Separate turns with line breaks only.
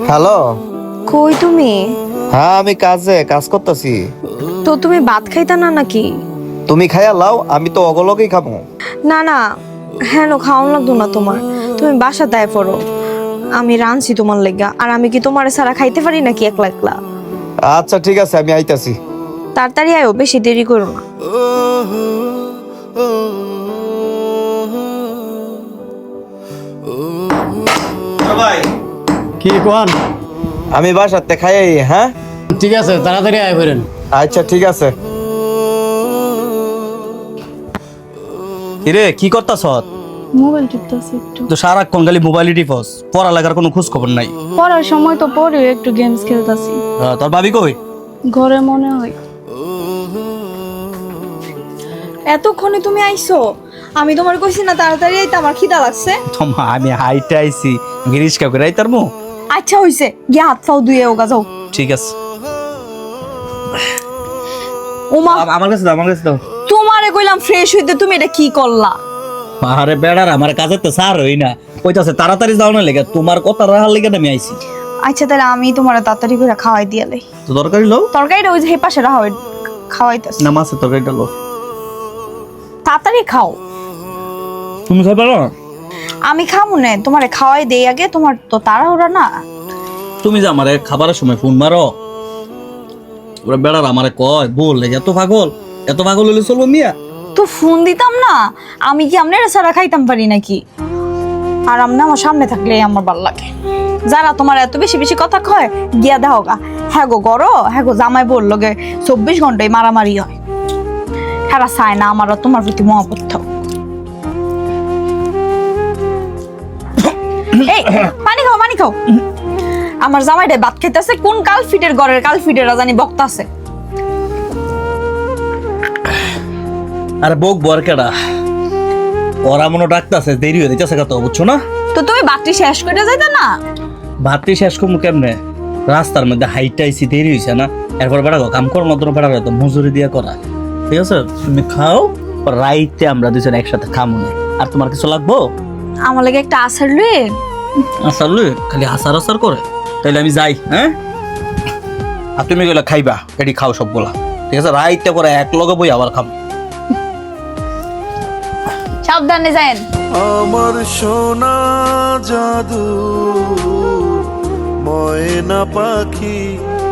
Hello.
কই তুমি?
হ্যাঁ আমি কাজ করতেছি।
তো তুমি ভাত খাইতা না নাকি?
তুমি খাইয়া লাও, আমি তো অগলকেই খাবো।
না না, হেন খাওয়ান লাগতো না তোমার। তুমি বাসা দায় পড়ো, আমি রাঁধছি তোমার লেগা। আর আমি কি তোমার সারা খাইতে পারি নাকি একলা একলা?
আচ্ছা ঠিক আছে, আমি আইতাছি।
তাড়াতাড়ি আয়ো, বেশি দেরি করো না।
ভাই
কি কোন?
আমি বাসাতে খাইয়াই। হ্যাঁ
ঠিক আছে, তাড়াতাড়ি আয় করেন।
আচ্ছা ঠিক আছে।
কিরে কি করতাছ?
মোবাইল টিপতেছি একটু।
তো সারাক্ষণ খালি মোবাইলই টিপস, পড়ালেখার কোনো খোঁজ খবর নাই।
পড়ার সময় তো পড়ে একটু গেমস খেলতাছি।
তোর ভাবি কই?
ঘরে মনে হয়।
এতক্ষণে তুমি আইছো? আমি তোমার কইছি না তাড়াতাড়ি আইতে, আমার খিদা লাগছে।
তোমা আমি হাইটে আইছি, গিরিশকা করে আইতার মো।
আচ্ছা হইছে, গিয়ে হাত পাও ধুয়ে ওগা যাও।
ঠিক আছে।
ওমা,
আমার কাছে দাও, আমার কাছে দাও।
তোমারে কইলাম ফ্রেশ হইতে, তুমি এটা কি করলা?
আরে বেড়ার আমার কাছে তো সার হই না, কইতাছে তাড়াতাড়ি যাও না লেগে, তোমার কথা রাখার লেগে আমি আইছি।
আচ্ছা তাহলে আমি তোমারে তাড়াতাড়ি করে খাওয়াই দিয়ালাই।
তো তরকারি লও
তরকারিটা ওই যে হে পাশে রাখা খাওয়াইতাছি।
না, মাছের তরকারিটা লও।
তাড়াতাড়ি খাও।
তুমি খাই পারো?
আমি খাবো না, তোমারে খাওয়াই দেই আগে, তোমার তো তাড়াহুড়া না।
তুমি যে আমারে খাবারের সময় ফোন মারো, ওরা বেড়ার আমারে কয় বল এত পাগল, এত পাগল হলে চলবো মিয়া?
তো ফোন দিতাম না, আমি কি আপনার সারা খাইতাম পারি নাকি? আর আমনা আমার সামনে থাকলে আমার ভালো লাগে। যারা তোমার এত বেশি বেশি কথা কয়, গিয়া দাও গা। হ্যাঁ গো গরো, হ্যাঁ গো জামাই বললো গে 24 ঘন্টায় মারামারি হয়। হ্যাঁ চায় না আমার আর তোমার প্রতি মহব্বত থাক। এই পানি খাও, পানি খাও। আমার জামাইটা ভাত খাইতেছে, কোন কালফিটের ঘরের কালফিটেরা জানি বক্তাছে।
আরে বোক বরকেডা, ওরা মনে ডাকতেছে, দেরি হয়ে যাচ্ছে কত, বুঝছো না?
তো তুমি বাতি শেষ করে যাইতা না?
ভাতটি শেষ করবো কেমনে? রাস্তার মধ্যে হাইট আইসি, দেরি হয়েছে না? এরপর বেড়া কাম কর মাত্র বেড়া তো মজুরি দিয়ে করা, ঠিক আছে? তুমি খাও, রাইতে আমরা দুজন একসাথে খামো না। আর তোমার কিছু লাগবো?
আমার লাগে একটা আসার রে।
আসার লই খালি আসার আসার করে, তাইলে আমি যাই। হ্যাঁ, আর তুমি গেলে খাইবা, এটি খাও সবগুলা, ঠিক আছে? রাইতে করে এক লগে বই আবার খাবো।
সাবধানে যায়েন।
আমার সোনা জাদু ময়না পাখি